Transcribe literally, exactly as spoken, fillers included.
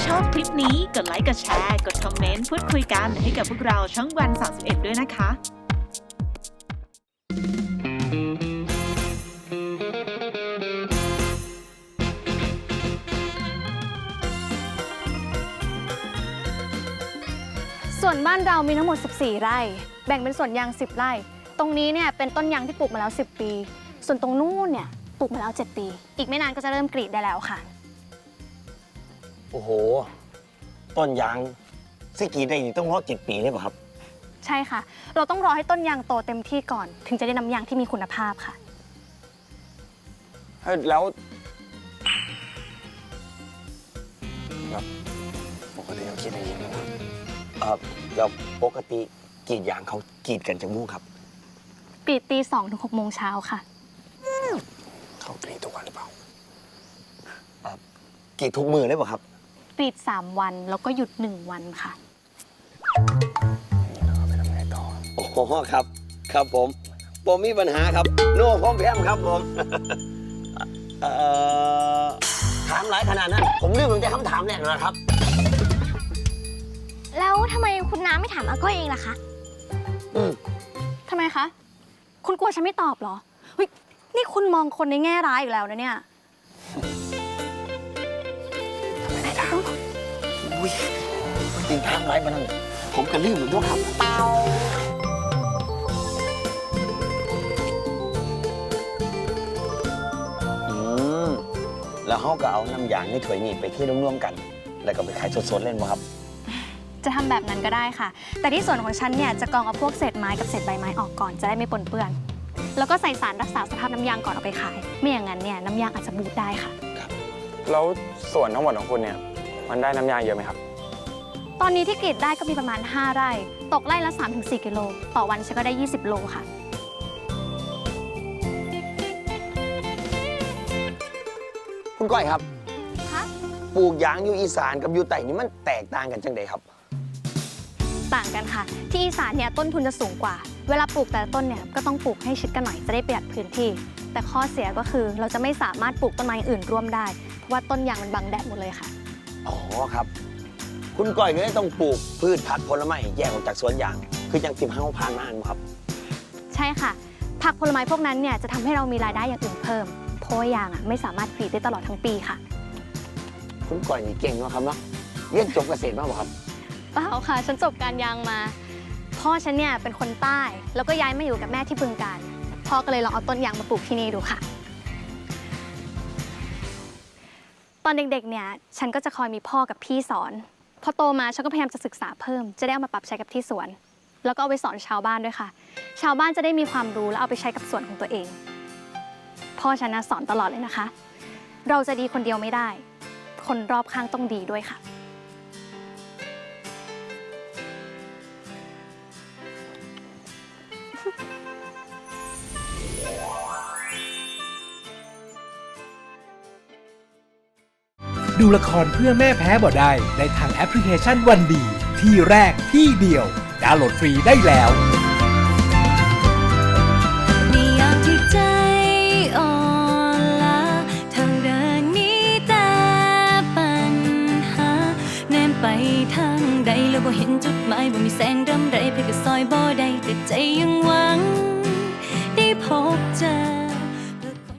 ชอบคลิปนี้กดไลค์กดแชร์กดคอมเมนต์พูดคุยกันให้กับพวกเราช่องวันสามสิบเอ็ดด้วยนะคะส่วนบ้านเรามีทั้งหมดสิบสี่ไร่แบ่งเป็นสวนยางสิบไร่ตรงนี้เนี่ยเป็นต้นยางที่ปลูกมาแล้วสิบปีส่วนตรงนู้นเนี่ยปลูกมาแล้วเจ็ดปีอีกไม่นานก็จะเริ่มกรีดได้แล้วค่ะโอ้โหต้นยางสิกรีดได้อีกต้องรอเจ็ดปีเลยป่ะครับใช่ค่ะเราต้องรอให้ต้นยางโตเต็มที่ก่อนถึงจะได้น้ำยางที่มีคุณภาพค่ะแล้วแบบปกติเขาคิดอย่างนี้ไหมครับเออแล้วปกติกรีดยางเขากรีดกันจังมู่ครับกรีดตีสองถึงหกโมงเช้าค่ะเขากรีดทุกวันหรือเปล่าเออกรีดทุกมือเลยป่ะครับกรีดสามวันแล้วก็หยุดหนึ่งวันค่ะนี่เราไปทำไงต่อโอ้โหครับครับผมผมมีปัญหาครับโน่พร้อมแพมครับผมเอ่อถามหลายขนาดนั้นผมลืมมันจะคำถามแรกนะครับแล้วทำไมคุณน้าไม่ถามอาก้อยเองล่ะคะอืมทำไมคะคุณกลัวฉันไม่ตอบเหรอเฮ้ยนี่คุณมองคนในแง่ร้ายอีกแล้วนะเนี่ยทำไมได้ถามอุ้ยมันจริงถามหลายมานั่งผมก็ลืมเหมือนกันครับอืมแล้วเขาก็เอาน้ำยางในถ้วยนี้ไปที่ร่วมๆกันแล้วก็ไปขายสดๆเล่นมั้งครับจะทำแบบนั้นก็ได้ค่ะแต่ที่ส่วนของฉันเนี่ยจะกรองเอาพวกเศษไม้กับเศษใบไม้ออกก่อนจะได้ไม่ปนเปื้อนแล้วก็ใส่สารรักษาสภาพน้ำยางก่อนเอาไปขายไม่อย่างนั้นเนี่ยน้ำยางอาจจะบูดได้ค่ะครับแล้วส่วนทั้งหมดของคุณเนี่ยมันได้น้ำยางเยอะไหมครับตอนนี้ที่กรีดได้ก็มีประมาณห้าไร่ตกไร่ละ สามถึงสี่ กิโลต่อวันฉันก็ได้ยี่สิบโลค่ะคุณก้อยครับคะปลูกยางอยู่อีสานกับอยู่ใต้นี่มันแตกต่างกันจังใดครับต่างกันค่ะที่อีสานเนี่ยต้นทุนจะสูงกว่าเวลาปลูกแต่ละต้นเนี่ยก็ต้องปลูกให้ชิดกันหน่อยจะได้ประหยัดพื้นที่แต่ข้อเสียก็คือเราจะไม่สามารถปลูกต้นไม้อื่นร่วมได้เพราะว่าต้นยางมันบังแดดหมดเลยค่ะอ๋อครับคุณก้อยก็เลยต้องปลูกพืชผักผลไม้แยกออกจากสวนยางคือยังติมห้าผ่านมาอันครับใช่ค่ะผักผลไม้พวกนั้นเนี่ยจะทำให้เรามีรายได้อย่างอื่นเพิ่มเพราะว่ายางอ่ะไม่สามารถกรีดได้ตลอดทั้งปีค่ะคุณก้อยนี่เก่งเนาะครับเนาะเรียนจบเกษตรมาบ่ครับเปล่าค่ะฉันจบการยางมาพ่อฉันเนี่ยเป็นคนใต้แล้วก็ย้ายมาอยู่กับแม่ที่บึงกาฬพ่อก็เลยลองเอาต้นยางมาปลูกที่นี่ดูค่ะตอนเด็กๆเนี่ยฉันก็จะคอยมีพ่อกับพี่สอนพอโตมาฉันก็พยายามจะศึกษาเพิ่มจะได้เอามาปรับใช้กับที่สวนแล้วก็เอาไปสอนชาวบ้านด้วยค่ะชาวบ้านจะได้มีความรู้แล้วเอาไปใช้กับสวนของตัวเองพ่อฉันนะสอนตลอดเลยนะคะเราจะดีคนเดียวไม่ได้คนรอบข้างต้องดีด้วยค่ะดูละครเพื่อแม่แพ้บ่ได้ในทางแอปพลิเคชันวันดีที่แรกที่เดียวดาวน์โหลดฟรีได้แล้ว